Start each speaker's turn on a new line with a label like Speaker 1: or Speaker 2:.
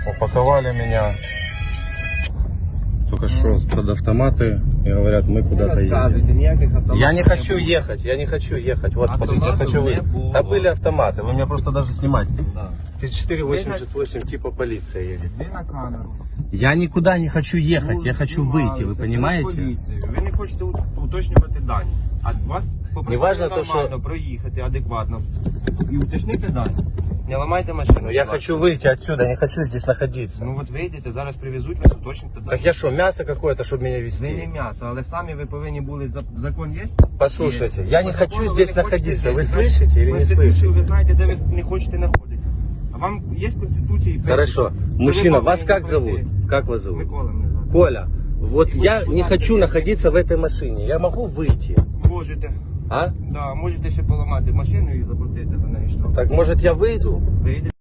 Speaker 1: упаковали меня только что под автоматы и говорят, мы куда-то едем. Я не хочу ехать, я не хочу ехать. Вот, смотрите, я хочу выйти. Да были автоматы, вы меня просто даже снимать. 3488 типа полиция едет. Я никуда не хочу ехать, я хочу выйти, вы понимаете?
Speaker 2: Ви не хочете уточнювати дані. А вас
Speaker 1: Неважно
Speaker 2: попросили
Speaker 1: то,
Speaker 2: нормально проїхати адекватно і уточнити дані. Не ламайте машину.
Speaker 1: Я хочу выйти отсюда, не хочу здесь находиться.
Speaker 2: Ну от вийдете, зараз привезуть вас, уточните дані.
Speaker 1: Так я что, мясо какое-то, чтобы меня
Speaker 2: Ви не
Speaker 1: везти?
Speaker 2: м'ясо, але самі ви повинні були, закон є?
Speaker 1: Послушайте,
Speaker 2: Є.
Speaker 1: я не
Speaker 2: По
Speaker 1: хочу
Speaker 2: закону ви
Speaker 1: здесь
Speaker 2: не хочете
Speaker 1: находиться. Вы
Speaker 2: жити.
Speaker 1: слышите или не
Speaker 2: Конституцію
Speaker 1: слышите?
Speaker 2: ви знаєте, де ви не хочете знаходитися. А вам є Конституція? і
Speaker 1: Хорошо.
Speaker 2: Що
Speaker 1: Мужчина,
Speaker 2: ви
Speaker 1: вас
Speaker 2: повинні
Speaker 1: как
Speaker 2: пройти?
Speaker 1: зовут? Как вас зовут?
Speaker 2: Микола мене звати.
Speaker 1: Коля. Вот я не хочу находиться в этой машине. Я могу выйти?
Speaker 2: Можете.
Speaker 1: А?
Speaker 2: Да, можете ще поламати машину і заплатити за неї штраф.
Speaker 1: Так может я выйду?
Speaker 2: Вийдете.